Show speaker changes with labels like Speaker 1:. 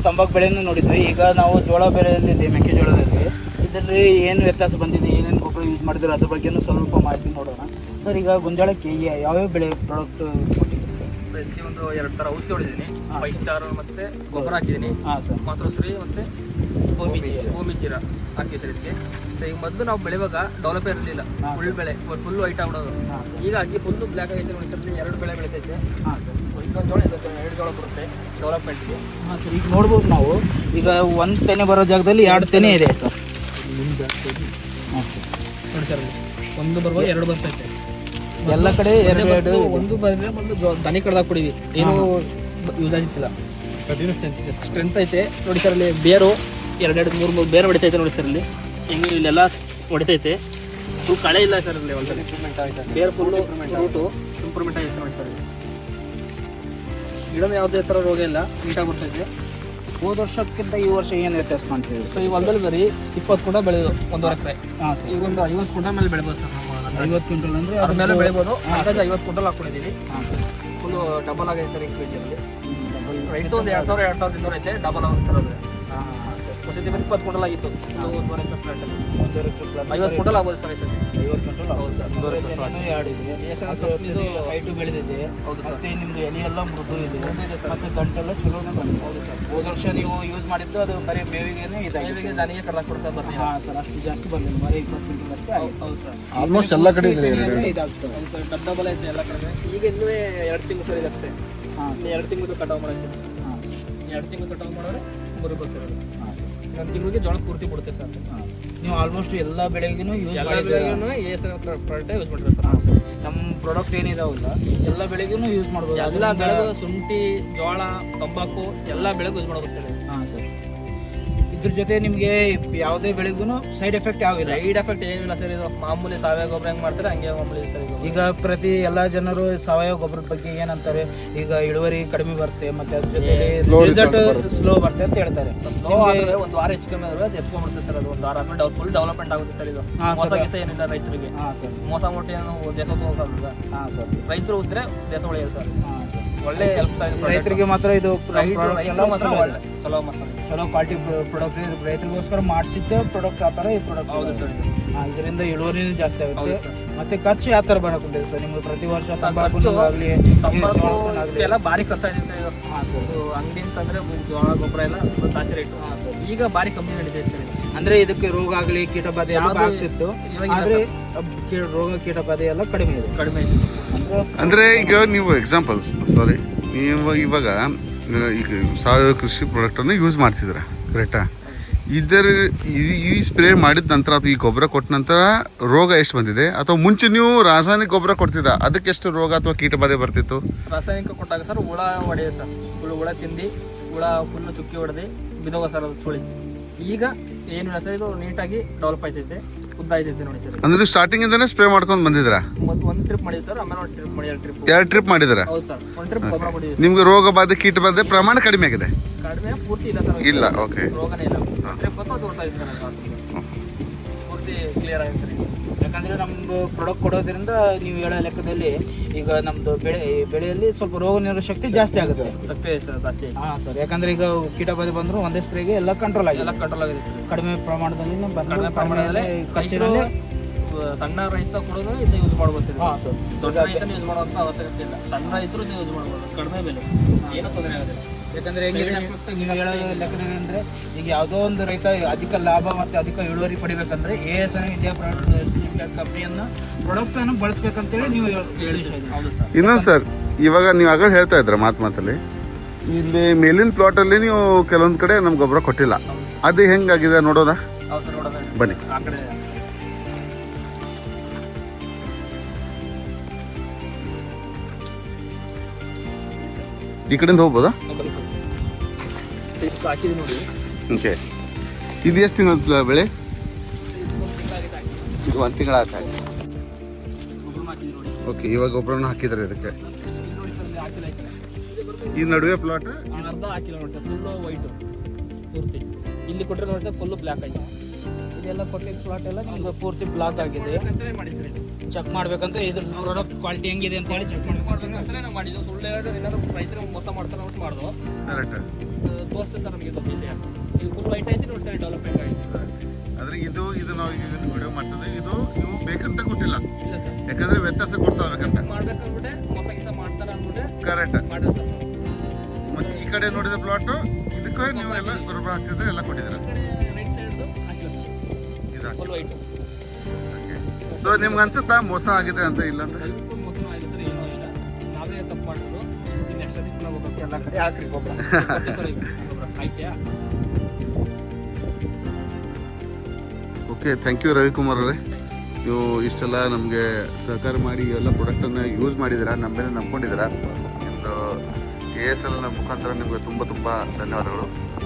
Speaker 1: ತಂಬಾಕು ಬೆಳೆಯನ್ನು ನೋಡಿದ್ವಿ. ಈಗ ನಾವು ಜೋಳ ಬೆಳೆಯಲ್ಲಿದೆ, ಮೆಕ್ಕೆಜೋಳದಲ್ಲಿ. ಇದರಲ್ಲಿ ಏನು ವ್ಯತ್ಯಾಸ ಬಂದಿದೆ, ಏನೇನು ಗೊಬ್ಬರ ಯೂಸ್ ಮಾಡಿದ್ರೆ ಅದ್ರ ಬಗ್ಗೆನೂ ಸ್ವಲ್ಪ ಮಾಹಿತಿ ನೋಡೋಣ. ಸರ್, ಈಗ ಗೊಂಜಾಳಕ್ಕೆ ಯಾವ್ಯಾವ ಬೆಳೆ ಪ್ರಾಡಕ್ಟ್ ಕೊಟ್ಟಿದ್ದೀರಿ
Speaker 2: ಸರ್? ಇದಕ್ಕೆ ಒಂದು 2 ಥರ ಔಷಧಿ ಹೊಡಿದ್ದೀನಿ. 5 ಸ್ಟಾರ್ ಮತ್ತೆ ಗೊಬ್ಬರ ಹಾಕಿದ್ದೀನಿ.
Speaker 1: ಹಾಂ ಸರ್.
Speaker 2: ಮಾತೃಶ್ರೀ ಮತ್ತೆ ಭೂಮಿಚೀರ ಹಾಕಿದ್ರೆ ಇದಕ್ಕೆ. ಸೊ ಈಗ ಮೊದಲು ನಾವು ಬೆಳೆಯುವಾಗ ಡೆವಲಪ್ ಇರಲಿಲ್ಲ, ಫುಲ್ ಬೆಳೆ ಫುಲ್ ವೈಟ್ ಆಗ್ಬಿಡೋದು. ಈಗ ಹಾಕಿ ಫುಲ್ಲು ಬ್ಲ್ಯಾಕ್ ಆಗೈತೆ ನೋಡಿ ಸರ್. 2 ಬೆಳೆ ಬೆಳಿತೈತೆ.
Speaker 1: ಹಾಂ ಸರ್.
Speaker 2: ಇನ್ನೊಂದು ಜೋಳ ಇದೆ, 2 ಜೋಳ ಬರುತ್ತೆ ಡೆವಲಪ್ಮೆಂಟ್ಗೆ.
Speaker 1: ಹಾಂ ಸರ್. ಈಗ ನೋಡ್ಬೋದು ನಾವು, ಈಗ 1 ತೆನೆ ಬರೋ ಜಾಗದಲ್ಲಿ 2 ತೆನೆ ಇದೆ ಸರ್. ಹಾಂ ಸರ್.
Speaker 2: ನೋಡಿ ಸರ್, 1 ಬರ್ಬೋದು, 2 ಬರ್ತೈತೆ.
Speaker 1: ಎಲ್ಲ ಕಡೆ 2
Speaker 2: ಒಂದು ಬಂದರೆ ಒಂದು ದನಿ ಕಡ್ದಾಕ್ ಕೊಡಿವಿ, ಏನೂ ಯೂಸ್ ಆಗಿತ್ತಿಲ್ಲ. ಕಂಟಿನ್ಯೂ ಸ್ಟ್ರೆಂತ್ ಐತೆ ನೋಡಿ ಸರ್. ಅಲ್ಲಿ ಬೇರು 2-3 ಬೇರೆ ಹೊಡಿತೈತೆ ನೋಡಿ ಸರ್. ಇಲ್ಲಿ ಹೆಂಗೆ ಇಲ್ಲೆಲ್ಲ ಹೊಡಿತೈತೆ. ಫುಲ್ ಕಳೆ ಇಲ್ಲ ಸರ್. ಇಲ್ಲಿ ಒಂದು ಇಂಪ್ರೂವ್ಮೆಂಟ್ ಆಗಿದೆ, ಬೇರೆ ಫುಲ್ಲು ರೂಟು ಇಂಪ್ರೂವ್ಮೆಂಟ್ ಆಗೈತೆ ನೋಡಿ ಸರ್. ಗಿಡದ ಯಾವುದೇ ಥರ ರೋಗ ಇಲ್ಲ, ನೀಟಾಗಿ ಬರ್ತೈತೆ.
Speaker 1: ಹೋದ ವರ್ಷಕ್ಕಿಂತ ಈ ವರ್ಷ ಏನು ವ್ಯತ್ಯಾಸ ಕಾಣ್ತೀವಿ?
Speaker 2: ಸೊ ಈ ಹೊಲದಲ್ಲಿ ಬರೀ 20 ಕುಂಟ ಬೆಳೆಯೋದು 1 ಎಕರೆ.
Speaker 1: ಹಾಂ ಸರ್.
Speaker 2: ಈಗ ಒಂದು 50 ಕುಂಟಲ್ ಮೇಲೆ ಬೆಳಿಬೋದು ಸರ್. ನಮ್ಮ
Speaker 1: 50 ಕ್ವಿಂಟಲ್ ಅಂದರೆ
Speaker 2: ಅದ್ರ ಮೇಲೆ ಬೆಳಿಬೋದು. ಅಂದಾಜು 50 ಕುಂಟಲ್ ಹಾಕೊಂಡಿದ್ದೀವಿ.
Speaker 1: ಹಾಂ ಸರ್.
Speaker 2: ಫುಲ್ಲು ಡಬಲ್ ಆಗೈತೆ ಸರ್. ಈಗ ಕೆಜಿಯಲ್ಲಿ ರೈಟು ಒಂದು 2,000-2,200 ಐತೆ. ಡಬಲ್ ಆಗುತ್ತೆ ಸರ್. ಅದು
Speaker 1: ಹಾಂ ಹಾಂ ಸರ್.
Speaker 2: ಹೊಸತಿ ಬಂದು 20 ಕುಂಟಲ್ ಆಗಿತ್ತು. 1 ಎಕರೆ ಪ್ಲಾಟ್ 50 ಕುಂಟಲ್ ಆಗ್ಬೋದು ಸರ್. ಈ ಸತಿ
Speaker 1: 50 ಕ್ವಿಂಟಲ್ ಹೌದು ಸರ್.
Speaker 2: 1 ಎಕರೆ ಪ್ಲಾಟ್.
Speaker 1: 2 ಇದೆ. ಹೈಟು ಬೆಳೆದಿದೆ.
Speaker 2: ಹೌದು ಸರ್.
Speaker 1: ಮತ್ತೆ ನಿಮ್ದು ಎಲೆ ಎಲ್ಲ ಮೃದು ಇದೆ. ಮತ್ತೆ ಗಂಟೆಲ್ಲ ಚಲೋನೇ ಬಂದಿದೆ.
Speaker 2: ಹೌದು ಸರ್.
Speaker 1: ಹೋದ ವರ್ಷ ನೀವು ಯೂಸ್ ಮಾಡಿದ್ದು ಅದು ಬರೀ ಮೇವಿಗೆನೇ ಇದಾಗಿದೆ.
Speaker 2: ಮೇವಿಗೆ ದನಿಗೆ ಕಡ್ದಾಕ್ ಕೊಡ್ತಾ ಬರ್ತೀನಿ.
Speaker 1: ಹಾಂ ಸರ್. ಅಷ್ಟು ಜಾಸ್ತಿ ಬಂದಿಲ್ಲ, ಬರೀ 20 ಕ್ವಿಂಟಲ್ ಅಷ್ಟೇ ಆಗಿದೆ.
Speaker 2: ಹೌದು ಸರ್.
Speaker 3: ಆಲ್ಮೋಸ್ಟ್ ಎಲ್ಲ ಕಡೆ ಇದೆ.
Speaker 1: ಇದಾಗ್ತದೆ.
Speaker 2: ಹೌದು ಸರ್. ಡಬಲ್ ಐತೆ ಎಲ್ಲ ಕಡೆ. ಈಗ ಇನ್ನೂ 2 ತಿಂಗಳು ಸರ್ ಇದಷ್ಟೇ.
Speaker 1: ಹಾಂ ಸರ್.
Speaker 2: 2 ತಿಂಗಳು ಕಟಾವು ಮಾಡೋಕ್ಕೆ.
Speaker 1: ಹಾಂ
Speaker 2: 2 ತಿಂಗಳು ಕಟಾವು ಮಾಡೋರೆ 3 ಬಸ್ ಇರೋದು.
Speaker 1: ಹಾಂ ಸರ್.
Speaker 2: 1 ತಿಂಗಳಿಗೆ ಜೋಳ ಪೂರ್ತಿ ಕೊಡುತ್ತೆ ಸರ್.
Speaker 1: ಹಾಂ. ನೀವು ಆಲ್ಮೋಸ್ಟ್ ಎಲ್ಲ ಬೆಳೆಗೂ ಯೂಸ್
Speaker 2: ಎಲ್ಲ
Speaker 1: ಮಾಡಿದ್ರೆ
Speaker 2: ಬೆಳೆಗೂ ಪ್ರಾಡಕ್ಟ್ ಯೂಸ್ ಮಾಡಿದ್ರೆ ಸರ್.
Speaker 1: ಹಾಂ ಸರ್. ನಮ್ಮ ಪ್ರಾಡಕ್ಟ್ ಏನಿದಾವಲ್ಲ ಎಲ್ಲ ಬೆಳೆಗೂ ಯೂಸ್ ಮಾಡ್ಬೋದು.
Speaker 2: ಎಲ್ಲ ಬೆಳೆಗೂ ಶುಂಠಿ, ಜೋಳ, ತಂಬಾಕು ಎಲ್ಲ ಬೆಳೆಗೂ ಯೂಸ್ ಮಾಡಬೇಕು.
Speaker 1: ಹಾಂ ಸರ್. ಇದ್ರ ಜೊತೆ ನಿಮಗೆ ಯಾವುದೇ ಬೆಳೆಗೂ ಸೈಡ್ ಎಫೆಕ್ಟ್ ಯಾವಿಲ್ಲ.
Speaker 2: ಸೈಡ್ ಎಫೆಕ್ಟ್ ಏನಿಲ್ಲ ಸರ್. ಇದು ಮಾಮೂಲಿ ಸಾವಯವ ಗೊಬ್ಬರ ಹೆಂಗೆ ಮಾಡ್ತಾರೆ ಹಂಗೆ ಮಾಮೂಲಿ ಸರ್.
Speaker 1: ಈಗ ಪ್ರತಿ ಎಲ್ಲ ಜನರು ಸಾವಯವ ಗೊಬ್ಬರದ ಬಗ್ಗೆ ಏನಂತಾರೆ, ಈಗ ಇಳುವರಿ ಕಡಿಮೆ ಬರುತ್ತೆ ಮತ್ತೆ ಅದ್ರ ಜೊತೆ ರಿಸಲ್ಟ್ ಸ್ಲೋ ಬರುತ್ತೆ ಅಂತ ಹೇಳ್ತಾರೆ.
Speaker 2: ಸ್ಲೋ ಆದರೆ 1 ವಾರ ಹೆಚ್ಚು ಕಮ್ಮಿ ಆದರೆ ಅದು ಎತ್ಕೊಂಡ್ಬಿಡುತ್ತೆ ಸರ್. ಅದು 1 ವಾರ ಆದ್ಮೇಲೆ ಫುಲ್ ಡೆವಲಪ್ಮೆಂಟ್ ಆಗುತ್ತೆ ಸರ್. ಇದು ಮೋಸ ಗೀಸ ಏನಿಲ್ಲ ರೈತರಿಗೆ.
Speaker 1: ಹಾಂ ಸರ್.
Speaker 2: ಮೋಸ ಮೊಟ್ಟೆ ಏನು ದೇಶ ತಗೋಲ್ಲ.
Speaker 1: ಹಾಂ ಸರ್.
Speaker 2: ರೈತರು ಉದ್ರೆ ದೇಶ ಉಳಿಯೋದು ಸರ್.
Speaker 1: ಹಾಂ ಸರ್.
Speaker 2: ಒಳ್ಳೆ ಹೆಲ್ಪ್
Speaker 1: ರೈತರಿಗೆ ಮಾತ್ರ ಇದು
Speaker 2: ಮಾತ್ರ ಒಳ್ಳೆ ಚಲೋ ಮಾಡ್ತಾರೆ.
Speaker 1: ಚಲೋ ಕ್ವಾಲಿಟಿ ಪ್ರಾಡಕ್ಟ್ ರೈತರಿಗೋಸ್ಕರ ಮಾಡಿಸಿದ್ದೆ ಪ್ರಾಡಕ್ಟ್ ಆ ಥರ ಈ ಪ್ರಾಡಕ್ಟ್.
Speaker 2: ಹೌದು ಸರ್.
Speaker 1: ಇದರಿಂದ ಇಳುವರಿನೂ ಜಾಸ್ತಿ ಆಗುತ್ತೆ.
Speaker 2: ಸರ್.
Speaker 1: ಮತ್ತೆ ಖರ್ಚು ಯಾವ ಥರ ಬರಕೊಂಡಿದೆ ಸರ್ ನಿಮ್ಗೆ ಪ್ರತಿ ವರ್ಷ? ತಂಬಾಕು
Speaker 2: ಎಲ್ಲ ಭಾರಿ ಖರ್ಚಾಗಿದೆ ಸರ್. ಇದು
Speaker 1: ಹಾಂ ಸರ್.
Speaker 2: ಅಂಗಡಿ ಅಂತಂದ್ರೆ ಜೋಳ ಗೊಬ್ಬರ ಎಲ್ಲ ಜಾಸ್ತಿ ರೇಟು.
Speaker 1: ಹಾಂ ಸರ್.
Speaker 2: ಈಗ ಭಾರಿ ಕಮ್ಮಿ ನಡೀತೈತೆ ಸರ್.
Speaker 1: ಅಂದ್ರೆ ಇದಕ್ಕೆ ರೋಗ ಆಗಲಿ ಕೀಟಬಾಧೆ ಎಲ್ಲ ಆಗ್ತಿತ್ತು, ಆದ್ರೆ ರೋಗ ಕೀಟಬಾಧೆ ಎಲ್ಲ ಕಡಿಮೆ ಇದೆ.
Speaker 2: ಕಡಿಮೆ ಇದೆ
Speaker 3: ಅಂದ್ರೆ ಈಗ ನೀವು ಎಕ್ಸಾಂಪಲ್ಸ್ ಸಾರಿ ನೀವು ಇವಾಗ ಈಗ ಸಾವಯವ ಕೃಷಿ ಪ್ರಾಡಕ್ಟನ್ನು ಯೂಸ್ ಮಾಡ್ತಿದ್ದೀರಾ ಕರೆಕ್ಟಾ? ಈ ಸ್ಪ್ರೇ ಮಾಡಿದ ನಂತರ ಅಥವಾ ಈ ಗೊಬ್ಬರ ಕೊಟ್ಟ ನಂತರ ರೋಗ ಎಷ್ಟು ಬಂದಿದೆ, ಅಥವಾ ಮುಂಚೆ ನೀವು ರಾಸಾಯನಿಕ ಗೊಬ್ಬರ ಕೊಡ್ತಿದ್ದ ಅದಕ್ಕೆ ಎಷ್ಟು ರೋಗ ಅಥವಾ ಕೀಟಬಾಧೆ ಬರ್ತಿತ್ತು?
Speaker 2: ರಾಸಾಯನಿಕ ಕೊಟ್ಟಾಗ ಸರ್ ಹುಳ ಹೊಡೆಯುತ್ತೆ ಸರ್. ಹುಳ ತಿಂದು ಹುಳ ಫುಲ್ಲು ಚುಕ್ಕಿ ಹೊಡೆದು ಬಿದೋಗ ಸರ್ ಅದು ಸುಳಿ. ಈಗ ಏನಿಲ್ಲ ಸರ್, ಇದು ನೀಟಾಗಿ ಡೆವಲಪ್ ಆಯ್ತೈತೆ, ಉದ್ದ ಆಯ್ತೈತೆ ನೋಡಿ ಸರ್.
Speaker 3: ಅಂದ್ರೆ ಸ್ಟಾರ್ಟಿಂಗ್ ಇಂದಾನೆ ಸ್ಪ್ರೇ ಮಾಡ್ಕೊಂಡು ಬಂದಿದ್ರಾ?
Speaker 2: ಒಂದು ಟ್ರಿಪ್ ಮಾಡಿದ್ವಿ ಸರ್, ಆಮೇಲೆ 1 ಟ್ರಿಪ್ ಮಾಡಿ 2
Speaker 3: ಟ್ರಿಪ್ ಮಾಡಿದ್ರ?
Speaker 2: ಹೌದು ಸರ್. 1 ಟ್ರಿಪ್ ಗೊಬ್ಬರ ಮಾಡಿದ್ವಿ.
Speaker 3: ನಿಮ್ಗೆ ರೋಗ ಬಾಧೆ ಕೀಟಬಾಧೆ ಪ್ರಮಾಣ ಕಡಿಮೆ ಆಗಿದೆ?
Speaker 2: ಕಡಿಮೆ ಪೂರ್ತಿ ಇಲ್ಲ ಸರ್.
Speaker 3: ಇಲ್ಲ, ಓಕೆ.
Speaker 2: ರೋಗನೇ ಇಲ್ಲ. ಟ್ರಿಪ್ ಬಂತು ಅದು ಹೊಡ್ತಾ ಇತ್ತು ಸರ್. ಪೂರ್ತಿ ಕ್ಲಿಯರ್ ಆಗಿದೆ ಸರ್.
Speaker 1: ಯಾಕಂದ್ರೆ ನಮ್ದು ಪ್ರಾಡಕ್ಟ್ ಕೊಡೋದ್ರಿಂದ ನೀವು ಹೇಳೋ ಲೆಕ್ಕದಲ್ಲಿ ಈಗ ನಮ್ದು ಬೆಳೆಯಲ್ಲಿ ಸ್ವಲ್ಪ ರೋಗ ನಿರೋಧಕ ಶಕ್ತಿ ಜಾಸ್ತಿ ಆಗುತ್ತೆ.
Speaker 2: ಶಕ್ತಿ ಇದೆ ಸರ್ ಜಾಸ್ತಿ.
Speaker 1: ಹಾಂ ಸರ್. ಯಾಕಂದ್ರೆ ಈಗ ಕೀಟಬಾಧೆ ಬಂದ್ರು ಒಂದೇ ಸ್ಪ್ರೇಗೆ ಎಲ್ಲ ಕಂಟ್ರೋಲ್ ಆಗಿದೆ.
Speaker 2: ಎಲ್ಲ ಕಂಟ್ರೋಲ್ ಆಗಿದೆ ಸರ್.
Speaker 1: ಕಡಿಮೆ ಪ್ರಮಾಣದಲ್ಲಿ
Speaker 2: ಕಡಿಮೆ ಪ್ರಮಾಣದಲ್ಲಿ ಖರ್ಚಿನಲ್ಲಿ ಸಣ್ಣ ರೈತ ಕೊಡೋದು ಇದನ್ನ ಯೂಸ್ ಮಾಡ್ಬೋದು.
Speaker 1: ಹಾಂ ಸರ್.
Speaker 2: ದೊಡ್ಡ ರೈತನ ಯೂಸ್ ಮಾಡುವಂಥ ಅವಶ್ಯಕತೆ ಇಲ್ಲ. ಸಣ್ಣ ರೈತರು ಯೂಸ್ ಮಾಡ್ಬೋದು. ಕಡಿಮೆ ಬೆಲೆ, ಏನೂ ತೊಂದರೆ ಆಗೋದಿಲ್ಲ.
Speaker 1: ಯಾಕಂದ್ರೆ ನೀವು ಹೇಳೋ ಲೆಕ್ಕದಲ್ಲಿ ಅಂದರೆ ಈಗ ಯಾವುದೋ ಒಂದು ರೈತ ಅಧಿಕ ಲಾಭ ಮತ್ತು ಅಧಿಕ ಇಳುವರಿ ಪಡಿಬೇಕಂದ್ರೆ ASN ಇಂಡಿಯಾ ಕಂಪ್ನಿಯನ್ನು ಪ್ರಾಡಕ್ಟನ್ನು ಬಳಸ್ಬೇಕಂತೇಳಿ ನೀವು ಹೇಳಿದ್ದೀರಿ.
Speaker 2: ಹೌದು ಸರ್.
Speaker 3: ಇನ್ನೊಂದು ಸರ್, ಇವಾಗ ನೀವು ಆಗ ಹೇಳ್ತಾ ಇದ್ರ ಮಾತಲ್ಲಿ ಇಲ್ಲಿ ಮೇಲಿನ ಪ್ಲಾಟಲ್ಲಿ ನೀವು ಕೆಲವೊಂದು ಕಡೆ ನಮ್ಗೆ ಗೊಬ್ಬರ ಕೊಟ್ಟಿಲ್ಲ, ಅದು ಹೆಂಗಾಗಿದೆ ನೋಡೋದಾ?
Speaker 2: ಹೌದು ಸರ್, ನೋಡೋಣ
Speaker 3: ಬನ್ನಿ.
Speaker 2: ಆ ಕಡೆ
Speaker 3: ಈ ಕಡೆಯಿಂದ ಹೋಗ್ಬೋದಾ?
Speaker 2: ಹಾಕಿದ್ವಿ ನೋಡಿ.
Speaker 3: ಓಕೆ. ಇದು ಎಷ್ಟು ತಿಂಗಳ ಬೆಳೆ? ಇದು 1 ತಿಂಗಳ ಆಯ್ತು. ಓಕೆ. ಇವಾಗ ಗೊಬ್ಬರನ ಹಾಕಿದ್ರೆ ಇದಕ್ಕೆ ಈ ನಡುವೆ ಪ್ಲಾಟ್
Speaker 2: ಅರ್ಧ ಹಾಕಿಲ್ಲ ನೋಡಿ ಸರ್. ಫುಲ್ಲು ವೈಟು ಪೂರ್ತಿ. ಇಲ್ಲಿ ಕೊಟ್ಟರೆ ನೋಡಿ ಸರ್ ಫುಲ್ಲು ಬ್ಲ್ಯಾಕ್ ಆಗಿದೆ.
Speaker 1: ಇದೆಲ್ಲ ಕೊಟ್ಟಿದ್ದ ಪ್ಲಾಟ್ ಎಲ್ಲ ನಿಮ್ಗೆ ಪೂರ್ತಿ ಬ್ಲಾಕ್ ಆಗಿದೆ.
Speaker 2: ಮಾಡಿ ಸರ್
Speaker 1: ಚೆಕ್ ಮಾಡ್ಬೇಕಂತ ಇದ್ರ ಪ್ರಾಡಕ್ಟ್ ಕ್ವಾಲಿಟಿ ಹೆಂಗಿದೆ ಅಂತ ಹೇಳಿ ಚೆಕ್
Speaker 2: ಮಾಡ್ಬೇಕಂತ ನಾವು ಮಾಡಿದ್ವಿ. ಸುಳ್ಳು ಏನಾದ್ರು ರೈತರು ಮೋಸ ಮಾಡ್ತಾರೆ ಅಂತ ಮಾಡಿದ್ವು. ತೋರಿಸ್ತೇವೆ ಸರ್ ನಮಗೆ ಇಲ್ಲಿ ಈಗ ಫುಲ್ ವೈಟ್ ಐತಿ ನೋಡಿ ಸರ್ ಡೆವಲಪ್ಮೆಂಟ್ ಐತಿ.
Speaker 3: ಆದ್ರೆ ಇದು ನಾವು ಈಗ ವಿಡಿಯೋ ಮಾಡ್ತದೆ ಇದು ನೀವು ಬೇಕಂತ ಕೊಟ್ಟಿಲ್ಲ,
Speaker 2: ಇಲ್ಲ ಸರ್
Speaker 3: ಯಾಕಂದ್ರೆ ವ್ಯತ್ಯಾಸ ಕೊಡ್ತಾ ಹೋಗ್ಬೇಕಂತ.
Speaker 2: ಮಾಡ್ಬೇಕಂದ್ಬಿಟ್ಟೆ ಮೋಸ ಗಿಸ ಮಾಡ್ತಾರ ಅಂದ್ಬಿಟ್ಟೆ
Speaker 3: ಕರೆಕ್ಟ್.
Speaker 2: ಮಾಡ್ರಿ ಸರ್ ನಾವು.
Speaker 3: ಮತ್ತೆ ಈ ಕಡೆ ನೋಡಿದ ಪ್ಲಾಟು ಇದಕ್ಕೆ ನೀವು ಎಲ್ಲ ಗೊಬ್ಬರ ಹಾಕ್ತಿದ್ರೆ ಎಲ್ಲ ಕೊಟ್ಟಿದ್ದೀರಾ.
Speaker 2: ಈ ಕಡೆ ರೈಟ್ ಸೈಡ್ದು ಹಾಕಿಲ್ಲ
Speaker 3: ಇದು
Speaker 2: ಫುಲ್ ವೈಟ್.
Speaker 3: ಸೊ ನಿಮ್ಗೆ ಅನ್ಸುತ್ತಾ ಮೋಸ ಆಗಿದೆ ಅಂತ? ಇಲ್ಲ ಅಂತ
Speaker 2: ಸ್ವಲ್ಪ ಮೋಸನೂ ಆಗಿಲ್ಲ ಸರ್, ಏನೂ ಇಲ್ಲ. ನಾವೇ ತಪ್ಪು ಮಾಡಿದ್ರು. ನೆಕ್ಸ್ಟ್ ಅದಕ್ಕೆ ನಾವು ಹೋಗ್ಬೇಕು
Speaker 1: ಎಲ್ಲ ಕಡೆ ಹಾಕ್ರಿ ಗೊಬ್ಬರ.
Speaker 2: ಸರ್ ಈಗ ಗೊಬ್ಬರ ಆಯ್ತಾ?
Speaker 3: ಓಕೆ, ಥ್ಯಾಂಕ್ ಯು ರವಿಕುಮಾರ್ ಅವರೇ. ನೀವು ಇಷ್ಟೆಲ್ಲ ನಮಗೆ ಸಹಕಾರ ಮಾಡಿ ಎಲ್ಲ ಪ್ರಾಡಕ್ಟನ್ನು ಯೂಸ್ ಮಾಡಿದ್ದೀರಾ, ನಮ್ಮ ಮೇಲೆ ನಂಬ್ಕೊಂಡಿದ್ದೀರಾ. ನಿಮ್ಮದು ASL ಮುಖಾಂತರ ನಿಮಗೆ ತುಂಬ ಧನ್ಯವಾದಗಳು.